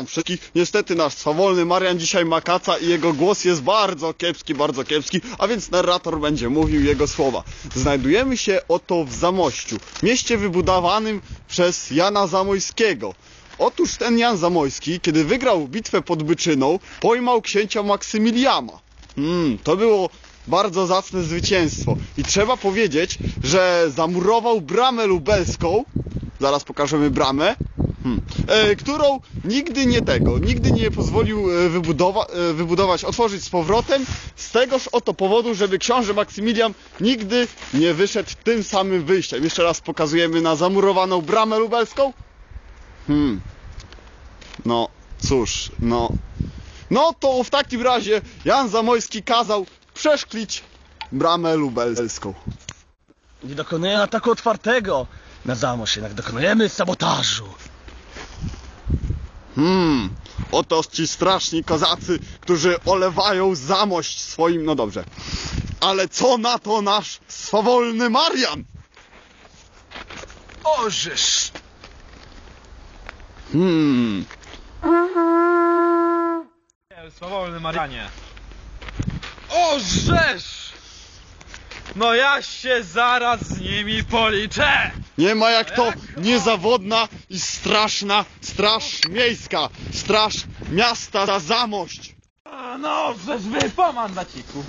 Witam wszystkich. Niestety nasz swawolny Marian dzisiaj ma kaca i jego głos jest bardzo kiepski, a więc narrator będzie mówił jego słowa. Znajdujemy się oto w Zamościu, mieście wybudowanym przez Jana Zamojskiego. Otóż ten Jan Zamojski, kiedy wygrał bitwę pod Byczyną, pojmał księcia Maksymiliana. To było bardzo zacne zwycięstwo. I trzeba powiedzieć, że zamurował bramę lubelską. Zaraz pokażemy bramę. Którą nigdy nie pozwolił otworzyć z powrotem, z tegoż oto powodu, żeby książę Maksymilian nigdy nie wyszedł tym samym wyjściem. Jeszcze raz pokazujemy na zamurowaną bramę lubelską. No cóż, no to w takim razie Jan Zamojski kazał przeszklić bramę lubelską. Nie dokonujemy ataku otwartego na Zamość, jednak dokonujemy sabotażu. Oto ci straszni kozacy, którzy olewają Zamość swoim... No dobrze. Ale co na to nasz swawolny Marian? Ożeż! Swawolny Marianie. Ożeż! No ja się zaraz z nimi policzę! Nie ma jak to niezawodna i straszna straż miejska, straż miasta Zamość. No, żeż wy po mandaciku.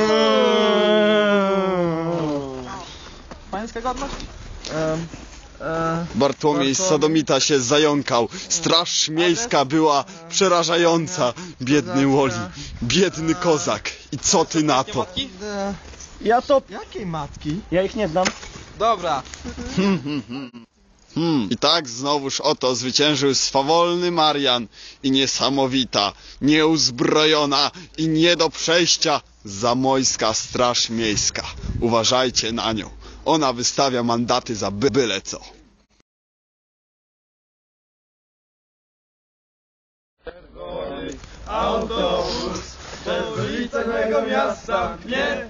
Pańska godność? Bartłomiej z Sodomita się zająkał. Straż miejska była przerażająca. Biedny Woli, biedny kozak. I co ty na to? Ja to... Jakiej matki? Ja ich nie znam. Dobra. I tak znowuż oto zwyciężył swawolny Marian i niesamowita, nieuzbrojona i nie do przejścia zamojska straż miejska. Uważajcie na nią. Ona wystawia mandaty za byle co. Autobus przez ulicę mego miasta pnie.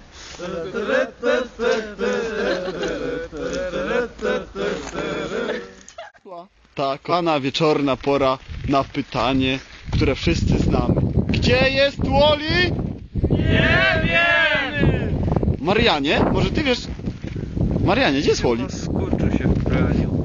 Ta kochana wieczorna pora na pytanie, które wszyscy znamy. Gdzie jest Woli? Nie wiem! Marianie, może ty wiesz... Marianie, gdzie jest Woli? Skurczył się w praniu.